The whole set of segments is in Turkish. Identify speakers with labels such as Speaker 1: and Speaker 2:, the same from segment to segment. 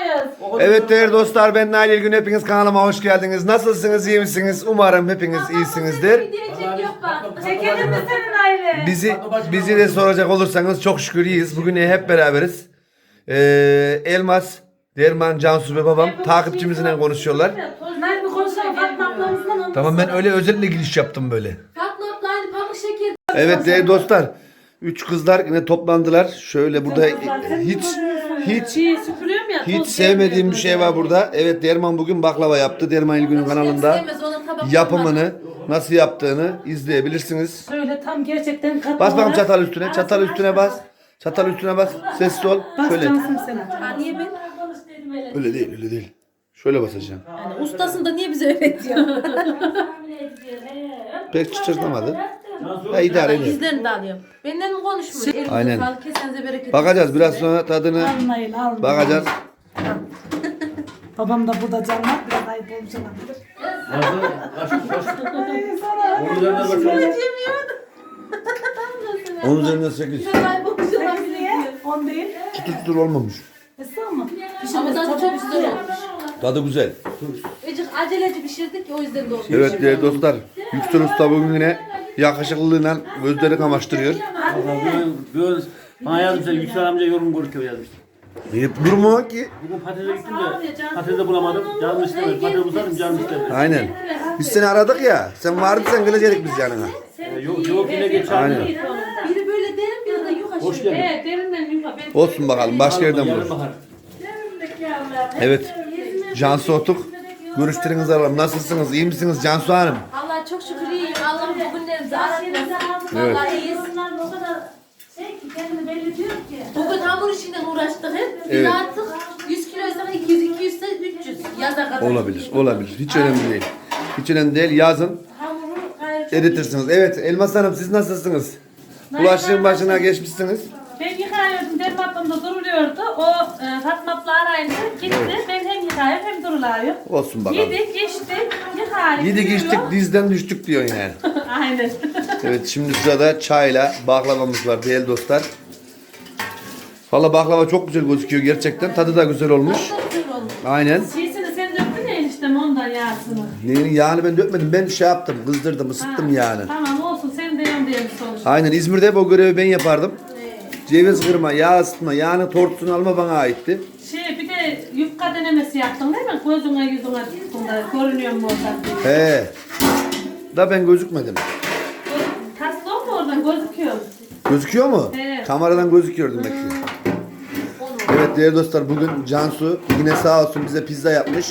Speaker 1: Evet değerli dostlar, ben Nail İlgün, hepiniz kanalıma hoş geldiniz. Nasılsınız, iyi misiniz? Umarım hepiniz iyisinizdir.
Speaker 2: Çekelim mi senin aile?
Speaker 1: Bizi de soracak olursanız çok şükür iyiyiz. Bugün hep beraberiz. Elmas, Derman, Cansu ve babam takipçimizle konuşuyorlar.
Speaker 2: Nail bir konuşalım Fatma ablamızla.
Speaker 1: Tamam, ben öyle özellikle giriş yaptım böyle.
Speaker 3: Fatma abla aynı pamuk şeker.
Speaker 1: Evet değerli dostlar, 3 kızlar yine toplandılar. Şöyle burada hiç sevmediğim bir şey var burada. Evet, Derman bugün baklava yaptı. Derman İlgün'ün kanalında yapımını nasıl yaptığını izleyebilirsiniz.
Speaker 2: Şöyle tam gerçekten katı
Speaker 1: Bas bakalım
Speaker 2: olarak-
Speaker 1: çatal üstüne. Çatal üstüne bas. Çatal üstüne bas. Sessiz ol.
Speaker 2: Bas
Speaker 1: Şöyle.
Speaker 2: cansın sen.
Speaker 3: Niye ben?
Speaker 1: Öyle değil, öyle değil. Şöyle basacağım.
Speaker 3: Yani ustasın da niye bize öğretiyor?
Speaker 1: Pek çıtırtamadı. Ha, idare edin.
Speaker 3: İzlerini de alıyorum. Benden mi konuşmuyor? Elinize
Speaker 1: Aynen.
Speaker 3: sağlık, kesenize bereket.
Speaker 1: Bakacağız biraz sonra tadını.
Speaker 2: Al Nail al.
Speaker 1: Bakacağız.
Speaker 2: Babam da burada canlar. Biraz ayıp olmuş olabilir.
Speaker 1: Onun üzerinden 8.
Speaker 2: Niye? 10 değil.
Speaker 1: Çıtır çıtır olmamış.
Speaker 2: Esra mı?
Speaker 3: Ama tadı çok güzel olmuş.
Speaker 1: Tadı güzel.
Speaker 3: Ecik aceleci pişirdik ya o yüzden de olmuş.
Speaker 1: Evet değerli dostlar. Yüksel Usta bugün yine yakışıklılığıyla gözleri kamaştırıyor.
Speaker 4: Böyle bana yazmışlar, Yüksel amca yorum görüyor yazmışlar.
Speaker 1: Durma ki.
Speaker 4: Bugün patatese gittim de patatesi bulamadım. Canım istemedi. Patates bulsaydım canım istemedi.
Speaker 1: Aynen. Biz seni aradık ya. Sen vardın, sen gelecektik biz yanına.
Speaker 4: Yok yine geç
Speaker 1: Aynen.
Speaker 4: çağırdı.
Speaker 3: Biri böyle derin biri de yukarı.
Speaker 4: Hoş geldin.
Speaker 2: Evet derinden yuva.
Speaker 1: Olsun bakalım. Başka yerden
Speaker 4: Yarın
Speaker 1: buluruz.
Speaker 4: bahar.
Speaker 1: Evet. Cansu Otuk. Görüşlerinizi alalım. Nasılsınız? İyi misiniz Cansu Hanım?
Speaker 3: Allah çok şükür iyiyim. Allah'ım bugünlerimizi aratmasın.
Speaker 1: Evet.
Speaker 3: Vallahi iyiyiz. Bugün hamur işinden uğraştık hep. Biz
Speaker 1: Evet.
Speaker 3: artık 100 kiloysa 200, 200 ise 300. Yaza kadar.
Speaker 1: Olabilir. Olabilir. Hiç önemli değil. Hiç önemli değil. Yazın.
Speaker 3: Hamuru gayet
Speaker 1: Eritirsiniz. Evet. Elmas Hanım, siz nasılsınız? Bulaşığın başına geçmişsiniz.
Speaker 2: Ben yıkayıyordum. Derman ablam da duruluyordu. O Fatma abla arayınca gitti. Ben hem yıkayıyorum hem durulayım.
Speaker 1: Olsun bakalım.
Speaker 2: Yedik, içtik, yıkayıp.
Speaker 1: Yedik içtik, dizden düştük diyorsun yani.
Speaker 2: Aynen.
Speaker 1: Evet, şimdi sırada çayla baklavamız var değerli dostlar. Valla baklava çok güzel gözüküyor gerçekten. Tadı da güzel olmuş.
Speaker 3: çok güzel olmuş.
Speaker 1: Aynen.
Speaker 2: Şeysini sen döktün ya eniştem ondan yağsını.
Speaker 1: Neyin yağını ben dökmedim. Ben şey yaptım, kızdırdım, ısıttım yağını.
Speaker 2: Tamam olsun sen de yan diye bir sonuç.
Speaker 1: Aynen, İzmir'de hep o görevi ben yapardım. Ceviz kırma, yağ ısıtma, yağını tortusunu alma bana aitti.
Speaker 2: Bir de yufka denemesi yaptın değil mi? Gözüne yüzüne tuttun da görünüyor mu oradan diye.
Speaker 1: He. Da ben gözükmedim.
Speaker 2: Taslı mu oradan gözüküyor?
Speaker 1: Gözüküyor mu?
Speaker 2: Evet.
Speaker 1: Kameradan gözüküyor demek ki. Evet değerli dostlar, bugün Cansu yine sağ olsun bize pizza yapmış.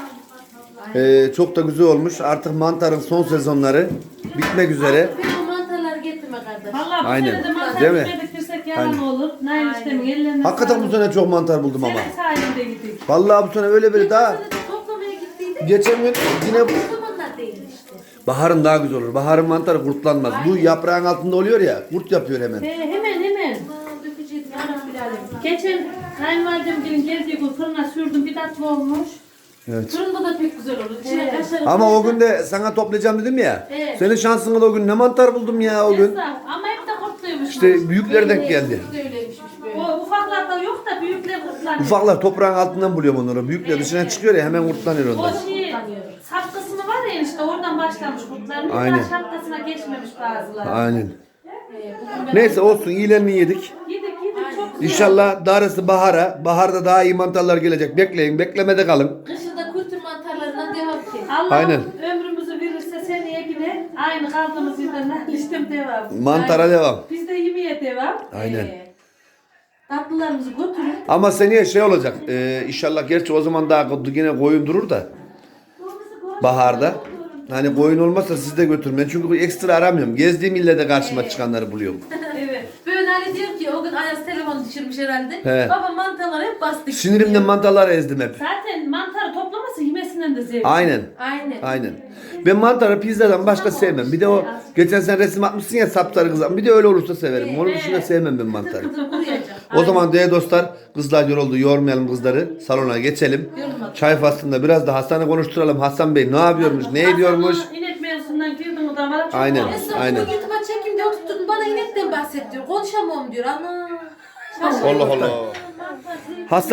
Speaker 1: Çok da güzel olmuş. Artık mantarın son sezonları bitmek üzere.
Speaker 3: Ben o mantarları getirme kardeş.
Speaker 2: Vallahi bu
Speaker 1: Aynen.
Speaker 2: sene de mantar
Speaker 1: Değil mi?
Speaker 2: gitmedirsek yalan
Speaker 1: Aynen.
Speaker 2: olur. Nail işlemin ellerine
Speaker 1: Hakikaten bu sene çok mantar buldum ama.
Speaker 2: Senin sayende gittik.
Speaker 1: Vallahi bu sene öyle böyle daha.
Speaker 3: Geçen sene de toplamaya gittiydik.
Speaker 1: Geçen gün yine
Speaker 3: O zamanlar değil işte.
Speaker 1: baharın daha güzel olur. Baharın mantarı kurtlanmaz. Bu yaprağın altında oluyor ya, kurt yapıyor hemen.
Speaker 2: Hemen.
Speaker 3: Dökücüydüm anam bilalim.
Speaker 2: Geçen kayınvalidem gelin geldiği gün fırına sürdüm bir tatlı olmuş.
Speaker 1: Evet.
Speaker 3: Fırında da pek güzel olur. İçine kaşarı.
Speaker 1: Ama o gün de sana toplayacağım dedim ya.
Speaker 3: Evet.
Speaker 1: Senin şansına da o gün ne mantar buldum ya o gün.
Speaker 2: Esra, ama hep de kurtluymuş.
Speaker 1: İşte büyükler denk geldi.
Speaker 3: Öyleymişmiş böyle.
Speaker 2: O ufaklarda yok da büyükler kurtlanıyor.
Speaker 1: Ufaklar toprağın altından buluyorum onları. Büyükler dışına çıkıyor ya, hemen kurtlanıyor
Speaker 2: O
Speaker 1: onlar.
Speaker 2: sap kısmı var ya işte oradan başlamış kurtlanıyor.
Speaker 1: Aynen.
Speaker 2: Aynen. Şapkasına geçmemiş bazıları.
Speaker 1: Aynen. Neyse olsun, iyilerini yedik.
Speaker 2: Yedik çok güzel.
Speaker 1: İnşallah darısı bahara. Baharda daha iyi mantarlar gelecek. Bekleyin, beklemede kalın.
Speaker 3: Kışında kültür mantarlarından devam ki.
Speaker 2: Allah
Speaker 1: Aynen.
Speaker 2: ömrümüzü verirse seneye yine aynı kaldığımız yerden listem devam.
Speaker 1: Mantara devam.
Speaker 2: Biz de yemeğe devam.
Speaker 1: Aynen.
Speaker 3: Tatlılarımızı götürün.
Speaker 1: Ama seneye şey olacak. İnşallah gerçi o zaman daha yine koyun durur da. Baharda. Hani koyun olmazsa siz de götürmeyin. Çünkü ekstra aramıyorum. Gezdiğim ille de karşıma çıkanları buluyorum.
Speaker 2: Evet.
Speaker 3: Böyle hani diyor ki o gün Ayaz telefon düşürmüş herhalde.
Speaker 1: He.
Speaker 3: Baba mantarları hep bastık.
Speaker 1: Sinirimden mantarlar ezdim hep.
Speaker 2: Zaten mantarı toplaması yemesinden de zevk.
Speaker 1: Aynen.
Speaker 3: Aynen.
Speaker 1: Aynen. Ben mantarı pizzadan başka sevmem. Bir de o geçen sen resim atmışsın ya sapsarı kızan. Bir de öyle olursa severim. Onun dışında sevmem ben mantarı.
Speaker 3: Kuruyacak.
Speaker 1: O zaman değerli dostlar, kızlar yoruldu. Yormayalım kızları. Salona geçelim. Çay faslında biraz da Hasan'ı konuşturalım. Hasan Bey ne yapıyormuş? Ne ediyormuş?
Speaker 2: Hasan'ı İnek mevzusundan girdin o da bana çok
Speaker 1: Aynen.
Speaker 2: oldu.
Speaker 3: Esra
Speaker 1: Aynen.
Speaker 3: bunu YouTube'a çekeyim diye oturttun bana inekten bahset diyor. Konuşamam diyor. Ana.
Speaker 1: Allah Allah. Hasan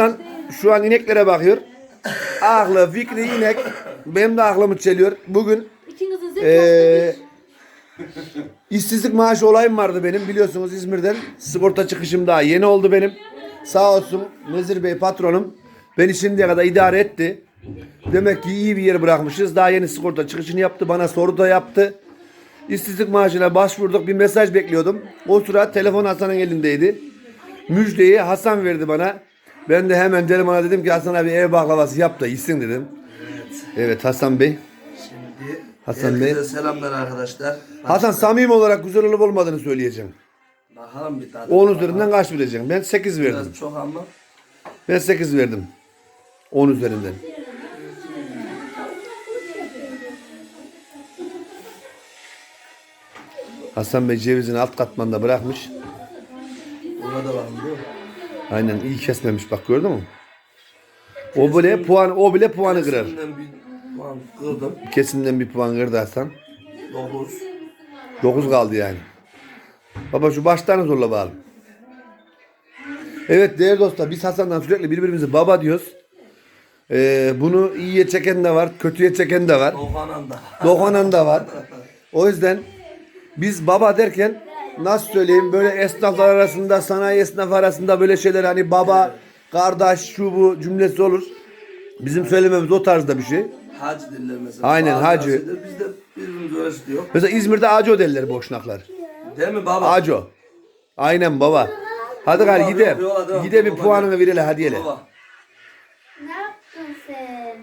Speaker 1: şu an ineklere bakıyor. Aklı, fikri inek. Benim de aklımı çeliyor. Bugün
Speaker 3: İkinizin zevki
Speaker 1: işsizlik maaşı olayım vardı benim. Biliyorsunuz İzmir'den sigorta çıkışım daha yeni oldu benim. Sağ olsun Nezir Bey patronum beni şimdiye kadar idare etti. Demek ki iyi bir yer bırakmışız. Daha yeni sigorta çıkışını yaptı. Bana soru da yaptı. İşsizlik maaşına başvurduk. Bir mesaj bekliyordum. O sıra telefon Hasan'ın elindeydi. Müjdeyi Hasan verdi bana. Ben de hemen Derman'a dedim ki Hasan abi ev baklavası yap da yesin dedim. Evet Hasan Bey.
Speaker 5: Şimdi
Speaker 1: Hasan
Speaker 5: herkese
Speaker 1: Bey.
Speaker 5: selamlar arkadaşlar.
Speaker 1: Hasan samimi olarak güzel olup olmadığını söyleyeceğim.
Speaker 5: Bakalım bir tane.
Speaker 1: 10 üzerinden kaç vereceğim? Ben 8 verdim.
Speaker 5: Biraz çok ama.
Speaker 1: Ben 8 verdim. 10 üzerinden. Hasan Bey cevizini alt katmanda bırakmış.
Speaker 5: Buna da bakın değil mi?
Speaker 1: Aynen iyi kesmemiş bak gördün mü? O bile puanı kırar.
Speaker 5: Şimdiden bir puan kırdım.
Speaker 1: Kesimden bir puan kırdı Hasan.
Speaker 5: 9.
Speaker 1: 9 kaldı yani. Baba şu başlarını zorla bakalım. Evet değerli dostlar biz Hasan'dan sürekli birbirimize baba diyoruz. Bunu iyiye çeken de var, kötüye çeken de var.
Speaker 5: Doğanan da.
Speaker 1: Dokunan da var. O yüzden biz baba derken nasıl söyleyeyim böyle esnaflar arasında, sanayi esnafı arasında böyle şeyler hani baba, kardeş, şu bu cümlesi olur. Bizim söylememiz o tarzda bir şey.
Speaker 5: Hacı diller mesela.
Speaker 1: Aynen,
Speaker 5: Bazı
Speaker 1: hacı.
Speaker 5: Biz de birbirimiz öyle diyor.
Speaker 1: Mesela İzmir'de Aco derler boşnaklar.
Speaker 5: Değil mi baba?
Speaker 1: Aco. Aynen baba. Hadi gari
Speaker 5: Baba,
Speaker 1: gide.
Speaker 5: yola devam.
Speaker 1: Gide bir
Speaker 5: Baba,
Speaker 1: puanını verelim hadi hele.
Speaker 5: Baba.
Speaker 3: Ne yaptın sen?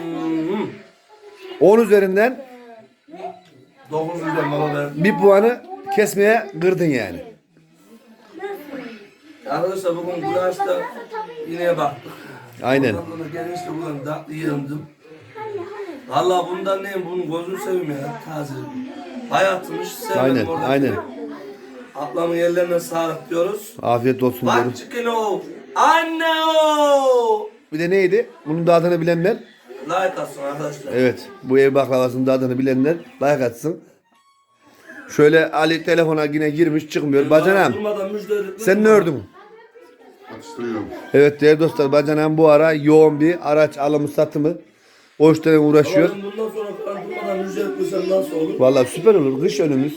Speaker 1: 10 üzerinden
Speaker 5: 9 güzel baba ben.
Speaker 1: bir puanı kesmeye kırdın yani.
Speaker 5: Arkadaşlar bugün bu yaşta ineğe baktık.
Speaker 1: Aynen.
Speaker 5: Ondan sonra gene işte buradan tatlı yedim. Valla bundan neyim bunun gözünü seveyim ya taze. Hayatımız sevmedim
Speaker 1: Aynen,
Speaker 5: oradaki.
Speaker 1: aynen.
Speaker 5: Ablamın yerlerine sağlık diyoruz.
Speaker 1: Afiyet olsun diyorum.
Speaker 5: Bak çıkın o. Anne o.
Speaker 1: Bir de neydi? Bunun da adını bilenler.
Speaker 5: Like atsın arkadaşlar.
Speaker 1: Evet. Bu ev baklavasının da adını bilenler like atsın. Şöyle Ali telefona yine girmiş çıkmıyor. Bacanam
Speaker 5: Durmadan müjde edip-
Speaker 1: sen ne ördün?
Speaker 6: Atıştırıyorum.
Speaker 1: Evet değerli dostlar bacanam bu ara yoğun bir araç alımı satımı. O işlerle uğraşıyor.
Speaker 5: Ama bundan sonra falan durmadan müjde etmesem nasıl olur?
Speaker 1: Vallahi süper olur. Kış önümüz.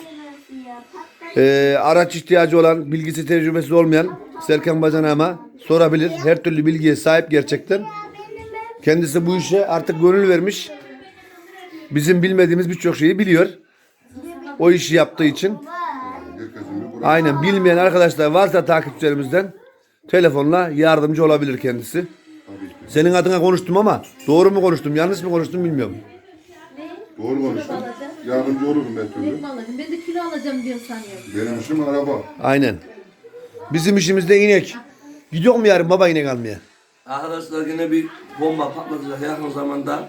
Speaker 1: Araç ihtiyacı olan, bilgisi tecrübesi olmayan Serkan Bacanam'a sorabilir. Her türlü bilgiye sahip gerçekten. Kendisi bu işe artık gönül vermiş. Bizim bilmediğimiz birçok şeyi biliyor. O işi yaptığı için.
Speaker 6: Herkesin bir burası.
Speaker 1: Aynen bilmeyen arkadaşlar varsa takipçilerimizden telefonla yardımcı olabilir kendisi. Senin adına konuştum ama doğru mu konuştum, yanlış mı konuştum bilmiyorum.
Speaker 6: Doğru konuştun. Yardımcı olurum ben türlü.
Speaker 3: Ben de kilo alacağım diyor sanıyorum.
Speaker 6: Benim işim araba.
Speaker 1: Aynen. Bizim işimizde inek. Gidiyor mu yarın baba inek almaya?
Speaker 5: Arkadaşlar yine bir bomba patlatacak yakın zamanda.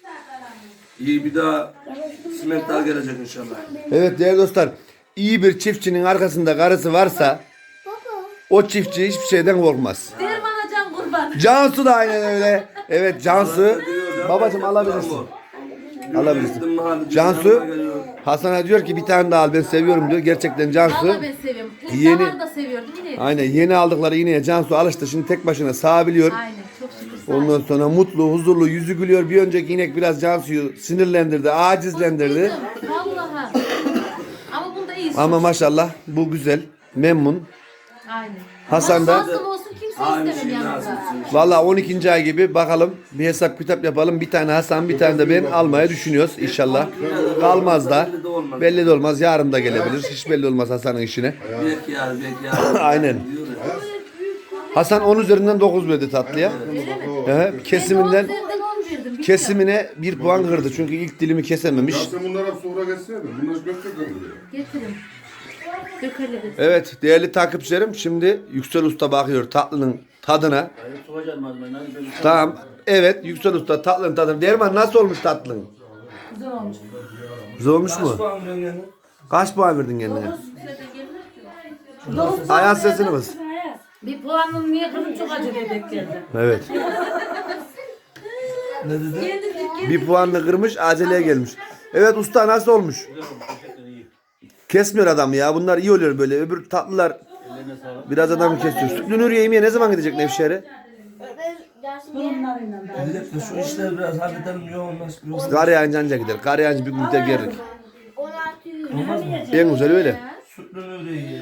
Speaker 5: İyi bir daha simentler gelecek inşallah.
Speaker 1: Evet değerli dostlar. İyi bir çiftçinin arkasında karısı varsa o çiftçi hiçbir şeyden korkmaz.
Speaker 3: Derman can kurban.
Speaker 1: Cansu da aynen öyle. Evet Cansu. Babacım alabilirsin. Alabilirsin. Cansu Hasan'a diyor ki bir tane daha al ben seviyorum diyor. Gerçekten Cansu.
Speaker 3: Valla ben seviyorum. İlk
Speaker 1: Yeni-
Speaker 3: zamanında seviyordum. Yine.
Speaker 1: Aynen yeni aldıkları ineğe Cansu alıştı. Şimdi tek başına sağabiliyor.
Speaker 3: Aynen çok şükür.
Speaker 1: Ondan sonra mutlu, huzurlu, yüzü gülüyor. Bir önceki inek biraz Cansu'yu sinirlendirdi, acizlendirdi.
Speaker 3: Vallahi. Ama bunda iyi.
Speaker 1: Ama maşallah bu güzel, memnun.
Speaker 3: Aynen.
Speaker 1: Hasan da
Speaker 3: Fazla olsun kimse
Speaker 5: Aynı
Speaker 3: istemem
Speaker 5: şey
Speaker 3: yanımda.
Speaker 5: nasipsin.
Speaker 1: valla 12. ay gibi bakalım bir hesap kitap yapalım. Bir tane Hasan, bir tane de ben almaya düşünüyoruz inşallah. Kalmaz da. Belli de olmaz. Yarın da gelebilir. Hiç belli olmaz Hasan'ın işine.
Speaker 5: Belki yarın belki yarın.
Speaker 1: Aynen.
Speaker 5: Diyor ya.
Speaker 1: Hasan 10 üzerinden 9 verdi tatlıya. Kesiminden
Speaker 3: Ben 10 verdim. Bir
Speaker 1: kesimine 1 puan kırdı. Çünkü ilk dilimi kesememiş.
Speaker 6: Ya sen bunlara sonra geçseydin. Bunlar götürecek buraya.
Speaker 3: Getirin. Dökerle de.
Speaker 1: Evet değerli takipçilerim şimdi Yüksel Usta bakıyor tatlının tadına.
Speaker 4: Hayır, sokacağım malzemeyi. Hadi böyle.
Speaker 1: Tamam. Evet Yüksel Usta tatlının tadına. Derman nasıl olmuş tatlın?
Speaker 3: Güzel olmuş.
Speaker 1: Güzel olmuş
Speaker 5: Kaç
Speaker 1: mu?
Speaker 5: puan veriyorsun yani?
Speaker 1: Kaç puan verdin kendine? Ayağın sesini bas.
Speaker 2: Bir puanım niye kızım çok acı bebek geldi.
Speaker 1: Evet.
Speaker 5: Ne dedi?
Speaker 1: Bir puanla kırmış aceleye gelmiş. Evet usta nasıl olmuş? Kesmiyor adam ya. Bunlar iyi oluyor böyle. Öbür tatlılar biraz adamı kesiyor. Sütlü Nuriye yemeğe ne zaman gidecek Nevşehir'e?
Speaker 2: Burunlarıyla da.
Speaker 5: Millet de şu işler biraz halledelim yoğunlaşmıyor.
Speaker 1: Biz kar yağınca anca gider. Kar yağınca bir gün de gelirik.
Speaker 5: Olmaz mı?
Speaker 1: En güzel öyle.
Speaker 5: Sütlü öyle iyi.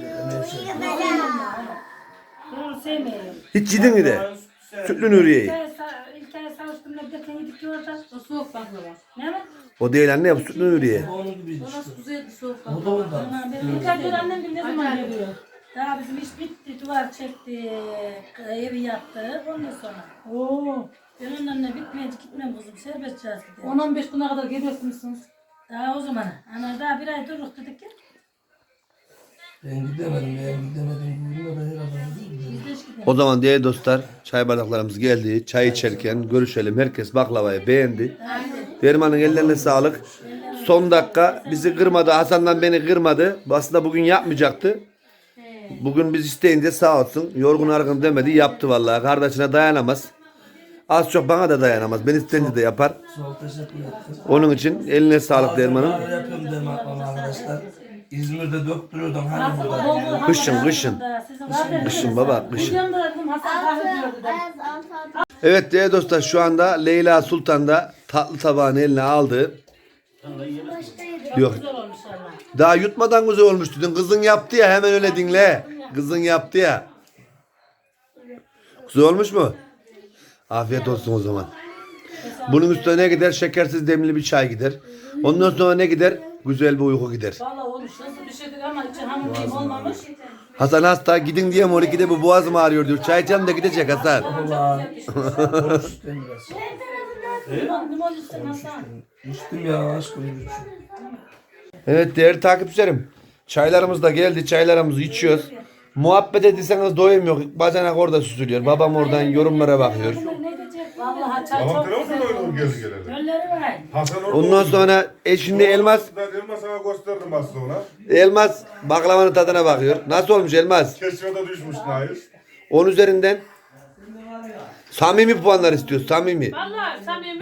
Speaker 2: Doğru sevmiyorum.
Speaker 1: Hiç yedin mi de? Sütlü Nuriye'yi.
Speaker 2: İlk ay savuştumda bir de yedik ki orada.
Speaker 3: O soğuk baklava.
Speaker 2: Ne mi?
Speaker 1: O değil anne bu Sütlü Nuriye.
Speaker 5: Onun gibiydi
Speaker 3: O
Speaker 5: işte.
Speaker 3: nasıl güzeldi soğuk
Speaker 5: O da
Speaker 3: baklava.
Speaker 5: ondan.
Speaker 2: Benim ilk ay annem bir ne zaman geliyor? Daha bizim iş bitti, duvar çekti, evi yaptı, ondan sonra. Oo. Ben onlarla bitmeyince gitmem kızım, serbest çağız gidelim.
Speaker 3: 10-15 güne kadar geliyorsunuz.
Speaker 2: Daha o zaman, ana daha bir ay dururuz dedik ya.
Speaker 5: Ben gidemedim. Bugün de herhalde
Speaker 2: Biz de hiç gidelim.
Speaker 1: O zaman değerli dostlar çay bardaklarımız geldi. Çay içerken görüşelim. Herkes baklavayı beğendi. Derman'ın ellerine sağlık. Son dakika bizi kırmadı. Hasan'dan beni kırmadı. Aslında bugün yapmayacaktı. Bugün biz isteyince sağ olsun. Yorgun argın demedi. Yaptı vallahi. Kardeşine dayanamaz. Az çok bana da dayanamaz. Ben isteyince de yapar.
Speaker 5: çok teşekkür ettim.
Speaker 1: Onun için eline sağlık Derman'ın.
Speaker 5: Kahve yapıyorum Derman arkadaşlar. İzmir'de döktürüyordum hani burada.
Speaker 1: Kışın kışın. Kışın baba kışın.
Speaker 2: Videomda dedim Hasan kahve diyordu dedim.
Speaker 1: Evet değerli dostlar şu anda Leyla Sultan da tatlı tabağını eline aldı. Yok.
Speaker 2: Güzel olmuş Allah.
Speaker 1: Daha yutmadan güzel olmuş dedin. Kızın yaptı ya hemen öyle dinle. Kızın yaptı ya. Güzel olmuş mu? Afiyet olsun o zaman. Bunun üstüne ne gider? Şekersiz demli bir çay gider. Ondan sonra ne gider? Güzel bir uyku gider.
Speaker 2: Valla olmuş nasıl bir şeydir ama içi hamur diyeyim olmamış.
Speaker 1: Hasan hasta gidin diye mi 12'de bu boğazım ağrıyor diyor. Çay içelim de gidecek Hasan.
Speaker 5: Allah. Konuştum biraz.
Speaker 2: Limon üstüne Hasan.
Speaker 5: İçtim ya aşkım.
Speaker 1: Evet değerli takipçilerim. Çaylarımız da geldi. Çaylarımızı içiyoruz. Muhabbet edirseniz doyum yok. Bacanak orada süzülüyor. Babam oradan yorumlara bakıyor.
Speaker 2: Vallahi çay
Speaker 6: Tamam
Speaker 2: çok
Speaker 6: telefon
Speaker 2: güzel
Speaker 6: oynadım
Speaker 2: olmuş.
Speaker 6: gezi geleli.
Speaker 2: Gölleri var.
Speaker 6: Hasan orada
Speaker 1: Ondan sonra şimdi Elmas
Speaker 6: Elmas sana gösterdim aslında ona.
Speaker 1: Elmas baklavanın tadına bakıyor. Nasıl olmuş Elmas?
Speaker 6: Keşfete düşmüş Nail.
Speaker 1: 10 üzerinden samimi puanlar istiyoruz. Samimi.
Speaker 2: Vallahi samimi.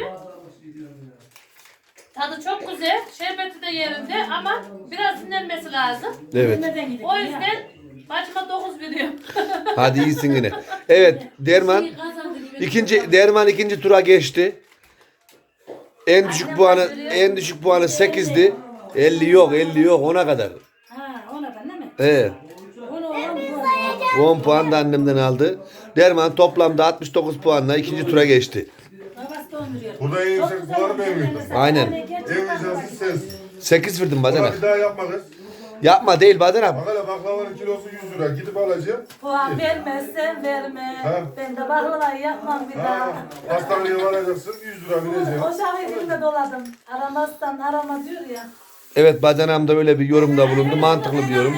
Speaker 2: Tadı çok güzel. Şerbeti de yerinde ama biraz dinlenmesi lazım.
Speaker 1: Evet.
Speaker 2: O yüzden bacıma 9 veriyorum.
Speaker 1: Hadi iyisin yine. Evet Derman ikinci tura geçti. En düşük puanı 8'di. 50 yok ona kadar.
Speaker 2: Ha ona da değil mi?
Speaker 1: Evet.
Speaker 2: Onu
Speaker 1: 10 puan da annemden aldı. Derman toplamda 69 puanla ikinci tura geçti.
Speaker 2: babası da 10 veriyor.
Speaker 6: Burada en yüksek puanı ben verdim.
Speaker 1: Aynen.
Speaker 6: En vicdansız sensin.
Speaker 1: 8 verdim
Speaker 6: Bana
Speaker 1: bacanak.
Speaker 6: bir daha yapma kız.
Speaker 1: Yapma değil bacanak.
Speaker 6: Bak hele baklavanın kilosu 100 lira. Gidip alacağım.
Speaker 2: Puan vermezsen verme.
Speaker 6: Ha.
Speaker 2: Ben de baklavayı yapmam bir daha.
Speaker 6: Ha, hastaneye varacaksın 100 lira vereceksin.
Speaker 2: O şahı elimde doladım. Aramazsan arama diyor ya.
Speaker 1: Evet bacanağım da öyle bir yorumda bulundu. Mantıklı bir yorum.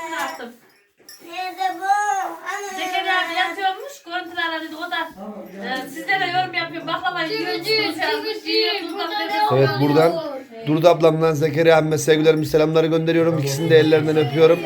Speaker 2: Zekeriya abi yatıyormuş. Görüntüler dedi. O da sizlere yorum yapıyor. Baklavayı yiyorsunuz yazmış.
Speaker 1: Evet buradan Durdu ablamdan Zekeriya abime sevgilerimi selamları gönderiyorum. İkisini de ellerinden öpüyorum.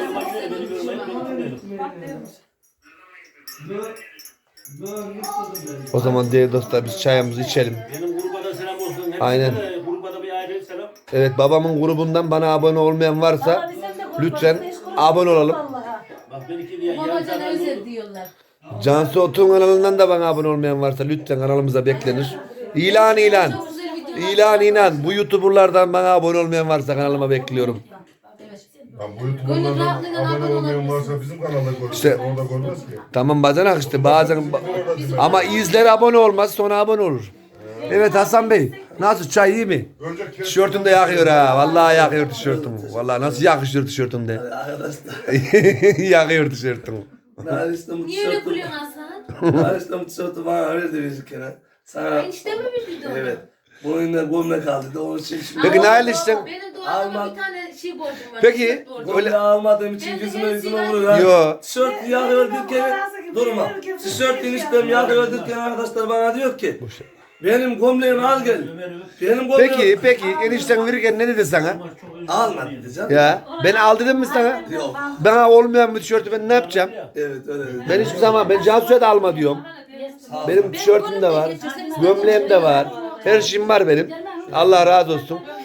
Speaker 1: O zaman değerli dostlar biz çayımızı içelim.
Speaker 4: Benim gruba da selam olsun.
Speaker 1: Aynen.
Speaker 4: Gruba da bir ayrı selam.
Speaker 1: Evet babamın grubundan bana abone olmayan varsa lütfen abone olalım.
Speaker 4: Bak ben iki diye yarım
Speaker 3: Babacan
Speaker 4: saat
Speaker 3: özel
Speaker 4: oldu.
Speaker 3: diyorlar.
Speaker 1: Cansu Otun kanalından da bana abone olmayan varsa lütfen kanalımıza beklenir. İlan.
Speaker 3: Çok güzel video.
Speaker 1: İlan. Bu YouTuber'lardan bana abone olmayan varsa kanalıma bekliyorum.
Speaker 6: Ya bu YouTube'dan abone olmayan varsa bizim kanalda görürüz.
Speaker 1: İşte-
Speaker 6: Orada görmez ki.
Speaker 1: Tamam bacanak işte bazen ama izler abone olmaz sonra abone olur. Evet Hasan Bey nasıl çay iyi mi?
Speaker 6: Önce kes-
Speaker 1: Tişörtüm de yakıyor ha. Vallahi yakıyor tişörtüm. Vallahi nasıl yakışıyor tişörtüm de.
Speaker 5: Arkadaşlar.
Speaker 1: Yakıyor tişörtüm.
Speaker 5: Naris'te
Speaker 3: Niye öyle gülüyorsun Hasan?
Speaker 5: Naris'te mutlu bana verdi bir kere. Sana
Speaker 3: Enişte mi bildi onu?
Speaker 5: evet. Bununla gömlek aldı da onun için şimdi.
Speaker 1: Peki Nail işte.
Speaker 3: Benim doğumda
Speaker 5: Alman-
Speaker 3: bir tane şey borcum var.
Speaker 1: Peki,
Speaker 3: tişört borcum.
Speaker 5: Gömleği almadığım için yüzüme vurur ha.
Speaker 1: Yo.
Speaker 5: Tişört yakıyor derken durma. Tişört eniştem yakıyor derken arkadaşlar bana diyor ki benim gömleğimi al gel. Benim gömleğimi
Speaker 1: Peki enişten verirken ne dedi sana?
Speaker 5: alma diyeceğim.
Speaker 1: Ya ben al dedim mi sana?
Speaker 5: Yok.
Speaker 1: Bana olmayan bir tişörtü ben ne yapacağım?
Speaker 5: Evet öyle dedi.
Speaker 1: Ben hiçbir zaman ben Cansu'ya da alma diyorum. Benim tişörtüm de var. Gömleğim de var. Her şeyim var benim. Allah razı olsun.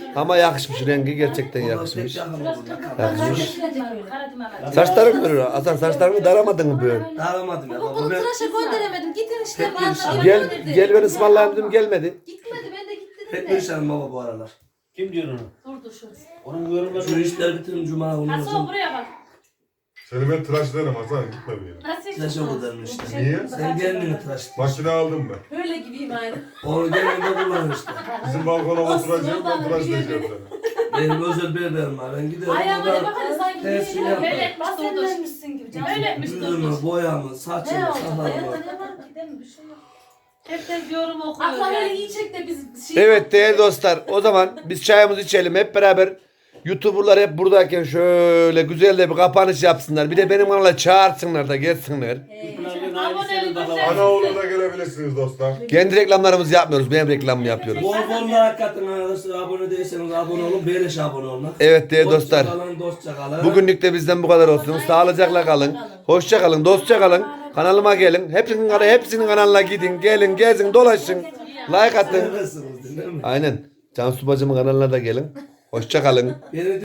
Speaker 1: Ama yakışmış, rengi gerçekten
Speaker 5: Onlar
Speaker 1: yakışmış.
Speaker 5: pek yakın burada.
Speaker 1: Yakışmış.
Speaker 2: Karadım
Speaker 1: Saçların görür. Hasan saçlarını daramadın mı böyle?
Speaker 5: Daramadım ya.
Speaker 3: Baba
Speaker 5: Bu
Speaker 3: bunu
Speaker 5: ben
Speaker 3: tıraşa gönderemedim. Gidin işte
Speaker 5: Hep
Speaker 3: bana
Speaker 1: Gel gel ben ısmarlayayım dedim gelmedi.
Speaker 3: Gitmedi ben de gittim
Speaker 5: pek
Speaker 3: de.
Speaker 5: perişanım baba bu aralar.
Speaker 4: Kim diyor onu?
Speaker 3: Durdu şu.
Speaker 4: Onun yorumları.
Speaker 5: Şu işler bitirin cuma onu
Speaker 2: Hasan
Speaker 5: hocam.
Speaker 2: buraya bak.
Speaker 6: Seni ben tıraş ederim Hasan gitme bir yere.
Speaker 2: Nasıl
Speaker 5: Tıraş ederim işte.
Speaker 6: Niye?
Speaker 5: Sen kendini tıraş et.
Speaker 6: Makine aldım ben.
Speaker 3: Böyle gibiyim aynı.
Speaker 5: Onu kendinde kullan işte.
Speaker 6: Bizim balkona oturacağım ben tıraş edeceğim seni.
Speaker 5: Benim özel berberim var. Ben giderim
Speaker 3: Ayağıma ne
Speaker 5: oradan
Speaker 3: bak hani sanki
Speaker 5: Tersi
Speaker 3: bir
Speaker 5: yapma.
Speaker 3: böyle
Speaker 2: Bahsetmişsin gibi. Öyle
Speaker 5: yüzümü, boyamı, saçımı,
Speaker 3: Ne oldu?
Speaker 5: sakalımı.
Speaker 3: Hayatta ne var?
Speaker 2: Gidelim bir şey yok. Herkes yorum okuyor.
Speaker 3: Akla
Speaker 2: yani.
Speaker 3: böyle iyi çek de biz şey
Speaker 1: Evet değerli dostlar, o zaman biz çayımızı içelim hep beraber. YouTuber'lar hep buradayken şöyle güzel de bir kapanış yapsınlar. Bir de benim kanala çağırsınlar da gelsinler.
Speaker 6: Anaoğlu'na gelebilirsiniz dostlar.
Speaker 1: Kendi reklamlarımızı yapmıyoruz, benim reklamımı yapıyoruz.
Speaker 5: Bol bol like atın arkadaşlar. Abone değilseniz abone olun. Beleş abone olun.
Speaker 1: Evet değerli dostlar.
Speaker 5: Dostça kalın.
Speaker 1: Bugünlük de bizden bu kadar olsun. Sağlıcakla kalın. Hoşça kalın, dostça kalın. Kanalıma gelin. Hepsinin kanalına gidin. Gelin, gezin, dolaşın. Like atın.
Speaker 5: Seversiniz, değil mi?
Speaker 1: Aynen. Cansu bacımın kanalına da gelin. Hoşça kalın.
Speaker 5: Beni